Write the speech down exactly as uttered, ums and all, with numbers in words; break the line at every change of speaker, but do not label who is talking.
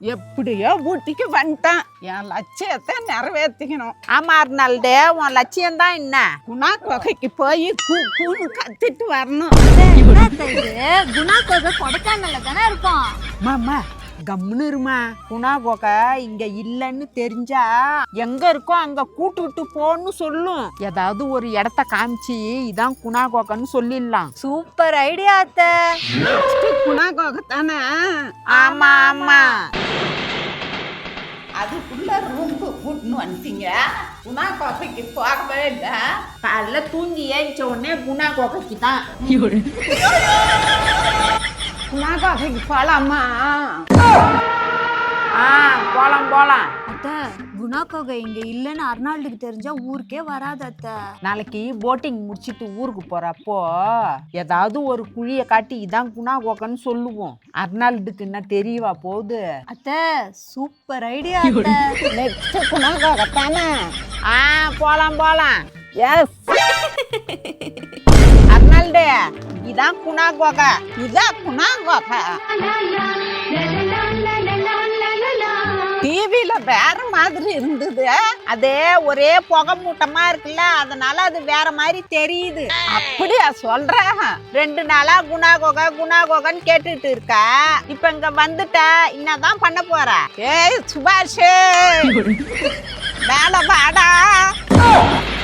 எப்படியோ ஊட்டிக்கு வந்துட்டான். என் லட்சியத்தை நிறைவேற்றிக்கணும்.
ஆமா அர்னால்டு, உன் லட்சியம் தான் என்ன?
குணா குகைக்கு போய் கூ கூன்னு கத்திட்டு வரணும்.
குணா குகை கொடைக்கானல்ல தானே இருக்கும்.
மாமா கம்முன்னு இருமா. குணா குகை இங்க இல்லைன்னு தெரிஞ்சா எங்க இருக்கோ அங்க கூட்டு விட்டு போன்னு சொல்லும். ஏதாவது ஒரு இடத்த காமிச்சு இதான் குணா குகைன்னு சொல்லிடலாம்.
சூப்பர் ஐடியா அத்தை.
குணா குகை தானே?
ஆமா ஆமா.
அதுக்குள்ள ரூம்பு கூட்டுன்னு வந்துட்டீங்க. குணா குகைக்கு போகவே இல்லை.
காலைல தூங்கி ஏறிச்ச உடனே குணா குகைக்கு தான்.
குணா குகைக்கு போலாமா?
ஆ போலாம் போலாம்.
அத்தை குணா குகை இங்க இல்லைன்னு அர்னால்டுக்கு தெரிஞ்சா ஊருக்கே வராது அத்தை.
நாளைக்கு போட்டிங் முடிச்சிட்டு ஊருக்கு போறப்போ ஏதாவது ஒரு குழியை காட்டி இதான் குணா குகைன்னு சொல்லுவோம். அர்னால்டுக்கு என்ன தெரியவா போகுது?
அத்தை சூப்பர் ஐடியா அத்தை.
நெக்ஸ்ட் குணா குகை தானே?
ஆ போலாம் போலாம்.
எஸ்.
அர்னால்டு இதான் குணா குகை.
இதான் குணா குகை. டிவில வேற மாதிரி இருந்தது.
அதே ஒரே புகை மூட்டமா இருக்குல்ல, அதனால அது வேற மாதிரி தெரியுது.
அப்படியா சொல்ற?
ரெண்டு நாளா குணா குகை குணா குகைன்னு கேட்டுட்டு இருக்க. இப்ப இங்க வந்துட்ட, என்னதான் பண்ண போற?
ஏய் சுபாஷ், மேல வாடா.